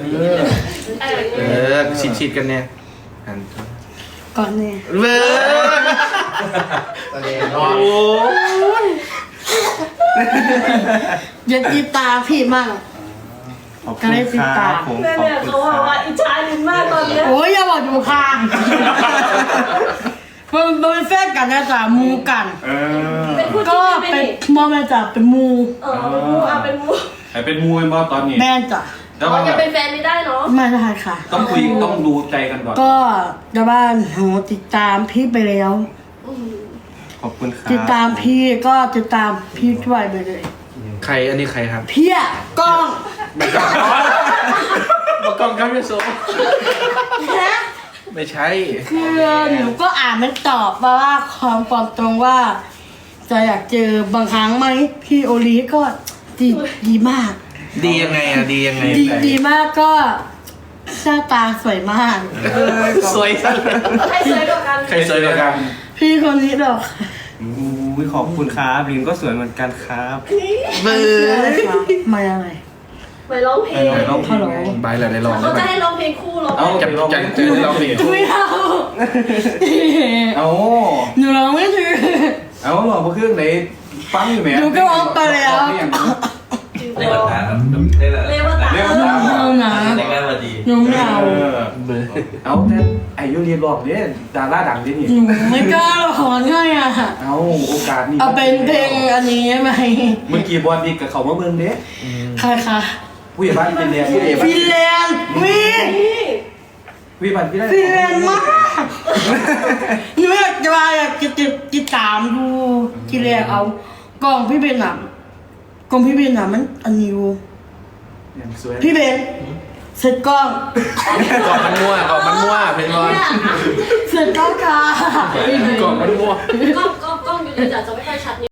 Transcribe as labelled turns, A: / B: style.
A: ชิดกันเนี่ย
B: ก่อนเนี่ย
A: เว้ยโอ้
B: อย่าติดตาพี่มั่งก็เลยติดตา
C: เนี่ยเขาว่าอิจฉาลินมากตอนนี้
B: โอ้ยอย่าบอกอยู่ข้างมันเป็นแฟนกันนะจ๊ะมูกันก็เป็นมอแม่จ๊ะเป็นมู
C: เป็นมูเป็นมู
D: เป็นมูเป็นบอตอนนี้
B: แม่จ๊ะ
C: เราจะเป็นแฟนไม่ได้เนาะ
B: ไม่ได้ค่ะ
D: ต้องคุยต้องดูใจกันก่อน
B: ก็จะบ้านโหติดตามพี่ไปแล้ว
D: ขอบคุณครับ
B: ติดตามพี่ก็ติดตามพี่ด้วยไปเลย
A: ใครอันนี้ใครครับ
B: พี่กล้อง
A: ไม่กล้องบอกกล้องครับพี่โซไม่ใช่
B: คือหนูก็อ่านมันตอบว่าความตรงว่าจะอยากเจอบางครั้งไหมพี่โอลีก็ดีมาก
A: ดียังไงอะดียังไง
B: ดีมากก็หน้าตาสวยมาก
A: สวยใคร
C: สวยกว่ากัน
D: ใครสวยกว่ากัน
B: พี่คนนี้ดอก
D: ขอบคุณครับลินก็สวยเหมือนกันครับ
A: เบอร์
B: ไม่อะไร
C: ไปร้องเพลง
B: เขาร้อง
A: ใบอะไรร้อง
C: เขาจะให้ร้องเพลงคู่ร้อง
D: เอา
A: จะร้องเพลง
B: ไม่เอาหนูร้องไม่ถึง
D: เอาหรอเพราะเครื่องไหนฟังอยู่ไหม
B: หนูก็ร้องไปแล้ว
E: เรียกว่าตาครับเรียกว่าตาเรียกว่าดี
B: หนูเหงา
D: เอาแต่อายุเรียนบอกเนี่ยดาราดังดินี่
B: ไม่กล้าหรอกของ่ายอ่ะ
D: เอาโอกาสนี่
B: เอาเป็นเพลงอันนี้ไหม
D: เมื่อกี้บอลดีกับเขาเมื่อเมืองเนี้ย
B: ใครคะ
D: ผู้ใหญ่บ้านเป็นเรียน
B: ฟินแลนด์
D: วิบัติพี่ได้
B: ฟินแลนด์มากหนูอยากจะมาอยากจะติดตามดูที่แรกเอากล่องพี่เบนอ่ะกล่องพี่เบนอ่ะมันอันนี้อยู่พี่เบนเสร็จกล้อง
A: มันมั่วเป็นบอล
B: เสร็จกล้องค่ะ
A: กล่องมันมั่ว
C: กล้องอยู่ในจะไม่ค่อยชัด